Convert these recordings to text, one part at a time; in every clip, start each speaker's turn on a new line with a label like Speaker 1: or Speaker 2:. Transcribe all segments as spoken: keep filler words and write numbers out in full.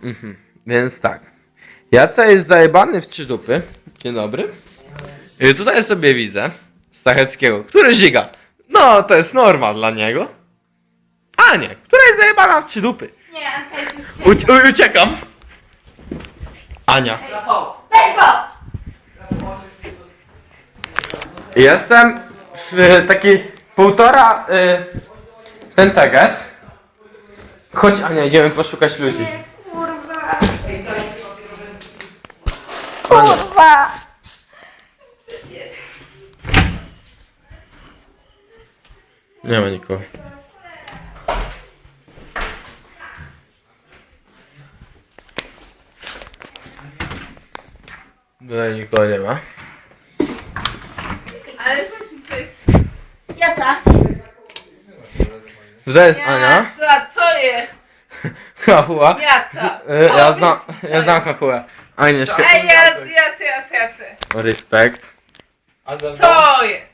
Speaker 1: Mhm. Więc tak. Jaca jest zajebany w trzy dupy. Dzień dobry. I tutaj sobie widzę Stacheckiego, który ziga. No, to jest norma dla niego. Anię, która jest zajebana w trzy dupy.
Speaker 2: Nie, Anka jest już
Speaker 1: Ucie u- uciekam. Ania.
Speaker 2: Weź go!
Speaker 1: Jestem w taki półtora y, ten teges. Chodź Ania, idziemy poszukać ludzi.
Speaker 2: Kurwa.
Speaker 1: Ania.
Speaker 2: Kurwa.
Speaker 1: Nie ma nikogo. Tutaj nikogo nie ma.
Speaker 2: Ale coś mi to jest... Jaca?
Speaker 1: Tutaj jest Ania.
Speaker 2: Jaca, co jest?
Speaker 1: Hachua.
Speaker 2: Jaca.
Speaker 1: Y, Ja znam, ja znam Hachuę. Agnieszkę.
Speaker 2: Ej, jac, jac, jac, jac.
Speaker 1: Respekt.
Speaker 3: A ze mną?
Speaker 2: Co jest?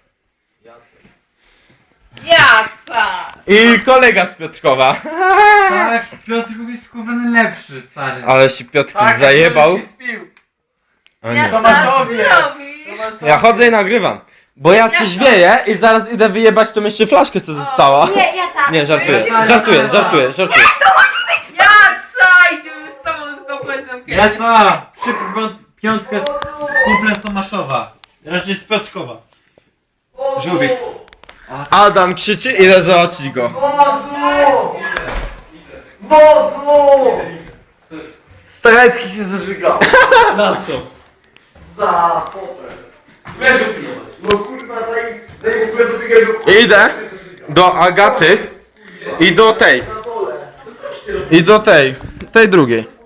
Speaker 2: Jaca.
Speaker 1: I kolega z Piotrkowa.
Speaker 3: Tak, Piotrków jest kurwa lepszy, stary.
Speaker 1: Ale się Piotr
Speaker 3: Tak,
Speaker 1: zajebał.
Speaker 3: się spił.
Speaker 1: O nie.
Speaker 2: Jaca,
Speaker 3: Tomaszowie.
Speaker 2: co robisz?
Speaker 1: Ja chodzę i nagrywam. Bo ja się zwieję i zaraz idę wyjebać tą jeszcze flaszkę, co została.
Speaker 2: Nie, Jaca.
Speaker 1: Nie, żartuję, żartuję, żartuję, żartuję.
Speaker 2: Jaca, idziemy z tobą z komplexem
Speaker 3: Ja co? Szybko piątkę z, z kumplem z Tomaszowa. Raczej z Piotrkowa. Żółwik.
Speaker 1: Adam krzyczy, idę zobaczyć go.
Speaker 4: Wodzu! Wodzu!
Speaker 1: Stachecki się zażygał.
Speaker 3: Na co?
Speaker 4: Za fotel. Weź go pilnować. No kurwa, zaj... Zaj w ogóle dobiegaj do kurwa.
Speaker 1: Idę do Agaty i do tej.
Speaker 4: Na dole.
Speaker 1: I do tej. Tej drugiej.